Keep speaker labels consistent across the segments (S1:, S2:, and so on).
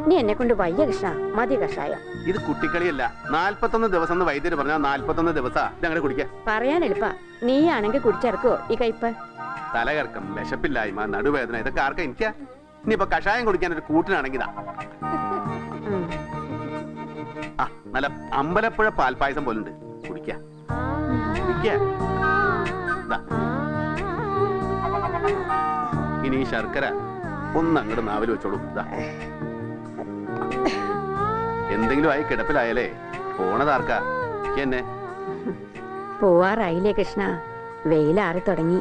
S1: നീ എന്നെ കൊണ്ട് വയ്യ കൃഷ്ണ, മതി കഷായം.
S2: ഇത് കുട്ടിക്കളിയല്ല. 41 ദിവസം എന്ന് വൈദ്യര് പറഞ്ഞാൽ 41 ദിവസാ ഇതങ്ങനെ കുടിക്ക.
S1: പറയാൻ എളുപ്പ, നീയാണെങ്കിൽ കുടിച്ചിറക്കോ ഈ കയ്പ്?
S2: തലകറക്കം, വിശപ്പില്ലായ്മ, നടുവേദന, ഇതൊക്കെ ആർക്കാ എനിക്കാ. ഇനിയിപ്പൊ കഷായം കുടിക്കാൻ ഒരു കൂട്ടിനാണെങ്കിതാ. ആ നല്ല അമ്പലപ്പുഴ പാൽപ്പായസം പോലുണ്ട്, കുടിക്ക. ഇനി ഈ ശർക്കര ഒന്ന് അങ്ങോട്ട് നാവിൽ വെച്ചോളൂ. എന്തെങ്കിലും ആയി കിടപ്പിലായാലേ പോണതാർക്കാ? എന്നെ
S1: പോവാറായില്ലേ കൃഷ്ണ, വെയിലാറി തുടങ്ങി.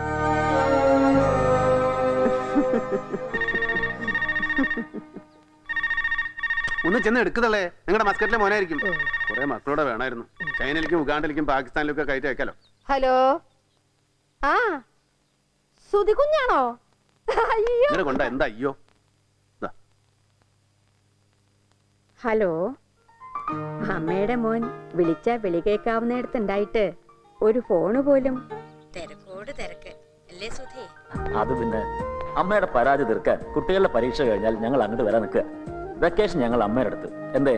S2: ഒന്ന് ചെന്ന് എടുക്കുന്നല്ലേ, നിങ്ങളുടെ മസ്കറ്റിലെ മോനായിരിക്കും. കുറെ മക്കളോടെ വേണമായിരുന്നു. ചൈനയിലേക്കും ഉഗാണ്ടിലേക്കും പാകിസ്ഥാനിലേക്കും ഒക്കെ കയറ്റി വെക്കാലോ.
S3: ഹലോ, ആ സുധി കുഞ്ഞാണോ?
S2: ഇങ്ങനെ കൊണ്ട എന്താ? അയ്യോ,
S1: ഹലോ, അമ്മയുടെ മോൻ വിളിച്ച വിളി കേൾക്കാവുന്നിടത്തുണ്ടായിട്ട് ഒരു ഫോണ് പോലും. തിരക്കോട് തിരക്ക് അല്ലേ സുധി?
S4: അത് പിന്നെ അമ്മയുടെ പരാതി തീർക്കാൻ കുട്ടികളുടെ പരീക്ഷ കഴിഞ്ഞാൽ ഞങ്ങൾ അങ്ങോട്ട് വരാൻ നിൽക്കുക. വെക്കേഷൻ ഞങ്ങൾ അമ്മയുടെ അടുത്ത്. എന്തേ?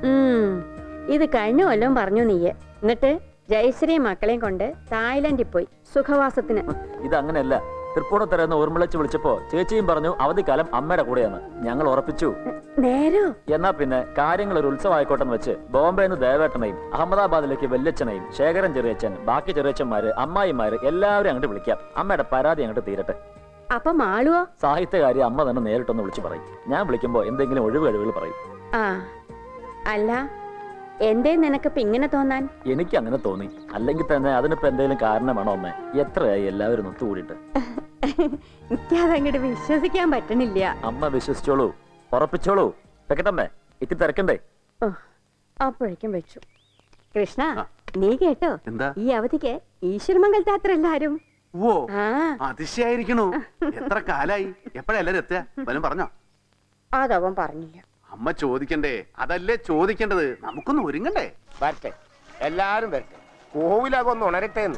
S1: ഇത് കഴിഞ്ഞ കൊല്ലം പറഞ്ഞു നീയെ. എന്നിട്ട് ജയശ്രീ മക്കളെയും കൊണ്ട് തായ്ലൻഡിൽ പോയി സുഖവാസത്തിന്.
S4: ഇത് അങ്ങനെയല്ല. തൃപ്പൂണിത്തറന്ന് ഓർമ്മിളച്ച് വിളിച്ചപ്പോ ചേച്ചിയും പറഞ്ഞു അവധിക്കാലം അമ്മയുടെ കൂടെയാണ്. ഞങ്ങൾ ഉറപ്പിച്ചു.
S1: നേരോ?
S4: എന്നാ പിന്നെ കാര്യങ്ങൾ ഒരു ഉത്സവമായിക്കോട്ടെന്ന് വെച്ച് ബോംബെന്ന് ദേവേട്ടനെയും അഹമ്മദാബാദിലേക്ക് വല്യച്ഛനെയും ശേഖരൻ ചെറിയച്ഛൻ, ബാക്കി ചെറിയച്ഛന്മാര്, അമ്മായിമാര് എല്ലാവരും അങ്ങോട്ട് വിളിക്കാം. അമ്മയുടെ പരാതി അങ്ങോട്ട് തീരട്ടെ.
S1: അപ്പൊ മാളുവോ?
S4: സാഹിത്യകാരി അമ്മ തന്നെ നേരിട്ടൊന്ന് വിളിച്ചു പറയും. ഞാൻ വിളിക്കുമ്പോ എന്തെങ്കിലും ഒഴിവ് കഴിവുകൾ പറയും.
S1: ആ അല്ല, എന്തേ നിനക്കിപ്പ ഇങ്ങനെ തോന്നാൻ?
S4: എനിക്ക് അങ്ങനെ തോന്നി. അല്ലെങ്കിൽ തന്നെ അതിനിപ്പോ എന്തെങ്കിലും കാരണം വേണോ അമ്മേ? എത്രയായി എല്ലാവരും ഒത്തുകൂടിയിട്ട്?
S1: എനിക്കതങ്ങോട്ട് വിശ്വസിക്കാൻ പറ്റണില്ല.
S4: അമ്മ വിശ്വസിച്ചോളൂ, ഉറപ്പിച്ചോളൂ. വെക്കട്ടമ്മേ, ഇത്തി തിരക്കണ്ടേ?
S1: അപ്പോഴേക്കും വെച്ചു. കൃഷ്ണ, നീ കേട്ടോ?
S2: എന്താ?
S1: ഈ അവധിക്ക് ഈശ്വരമംഗലത്തെ അത്ര എല്ലാരും.
S2: ഓ, അതിശയായിരിക്കണു. എത്ര കാലായി? എപ്പോഴാ എല്ലാരും എത്തുക? വല്ലതും പറഞ്ഞോ?
S1: അതവൻ പറഞ്ഞില്ല.
S2: അമ്മ ചോദിക്കണ്ടേ? അതല്ലേ ചോദിക്കേണ്ടത്. നമുക്കൊന്ന് ഒരുങ്ങണ്ടേ?
S5: വരട്ടെ, എല്ലാരും വരട്ടെ. കോവിലകൊന്ന് ഉണരട്ടെന്ന്.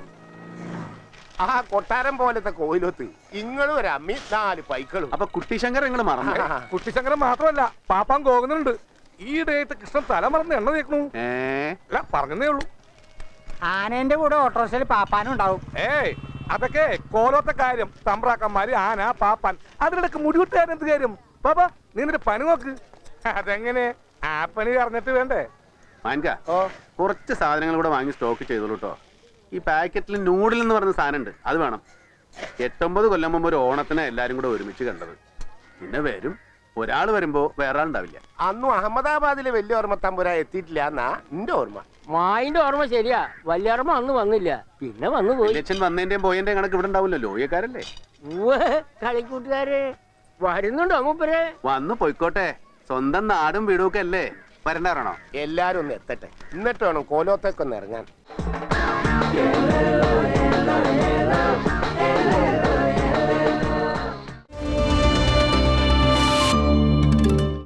S5: ആ കൊട്ടാരം പോലത്തെ കോവിലൊത്ത് ഇങ്ങളും ഒരു അമ്മി 4 പൈക്കളും.
S2: അപ്പൊ കുട്ടിശങ്കർ നിങ്ങൾ മറന്നു?
S6: കുട്ടിശങ്കരൻ മാത്രമല്ല, പാപ്പാൻ പോകുന്നുണ്ട്. ഈ ഡേറ്റ് കൃഷ്ണൻ തല മറന്ന് എണ്ണ തേക്കണു. അല്ല, പറഞ്ഞതേ ഉള്ളൂ.
S7: ആനേന്റെ കൂടെ ഓട്ടോറിക്ഷയിൽ പാപ്പാനും ഉണ്ടാവും.
S6: ഏയ്, അതൊക്കെ കോലത്തെ കാര്യം. തമ്പ്രാക്കന്മാര്, ആന, പാപ്പാൻ. അതിനിടക്ക് മുടിവിട്ടുകാരൻ എന്ത് കാര്യം? പാപ്പാ, നീ നിന്റെ പനി നോക്ക്. അതെങ്ങനെ? ആ പണി അറിഞ്ഞിട്ട് വേണ്ടേ?
S2: മാൻക, കുറച്ച് സാധനങ്ങൾ കൂടെ വാങ്ങി സ്റ്റോക്ക് ചെയ്തോളൂ കേട്ടോ. ഈ പാക്കറ്റിൽ നൂഡിൽ എന്ന് പറയുന്ന സാധനം ഉണ്ട്, അത് വേണം. 8-9 കൊല്ലം മുമ്പ് ഒരു ഓണത്തിന് എല്ലാരും കൂടെ ഒരുമിച്ച് കണ്ടത്. പിന്നെ വരും, ഒരാൾ വരുമ്പോ വേറെ ആളുണ്ടാവില്ല.
S5: അന്നും അഹമ്മദാബാദിലെ വലിയ ഓർമ്മ തമ്പുരാ എത്തിയിട്ടില്ല എന്നാ എന്റെ ഓർമ്മ.
S7: മായിന്റെ ഓർമ്മ ശരിയാ, വലിയോർമ്മ അന്ന് വന്നില്ല, പിന്നെ വന്നു പോയി.
S2: അച്ഛൻ വന്നതിന്റെയും പോയതിന്റെയും കണക്ക് ഇവിടെ ഉണ്ടാവില്ലല്ലോ. ലോയക്കാരല്ലേ?
S7: കളിക്കൂട്ടുകാര് വരുന്നുണ്ടോ മൂപ്പര്?
S2: വന്നു പോയിക്കോട്ടെ. സ്വന്തം നാടും വീടും ഒക്കെ അല്ലേ. വരണ്ടാണോ?
S5: എല്ലാരും ഒന്ന് എത്തട്ടെ, എന്നിട്ട് വേണം കോലോത്തേക്കൊന്ന് ഇറങ്ങാൻ.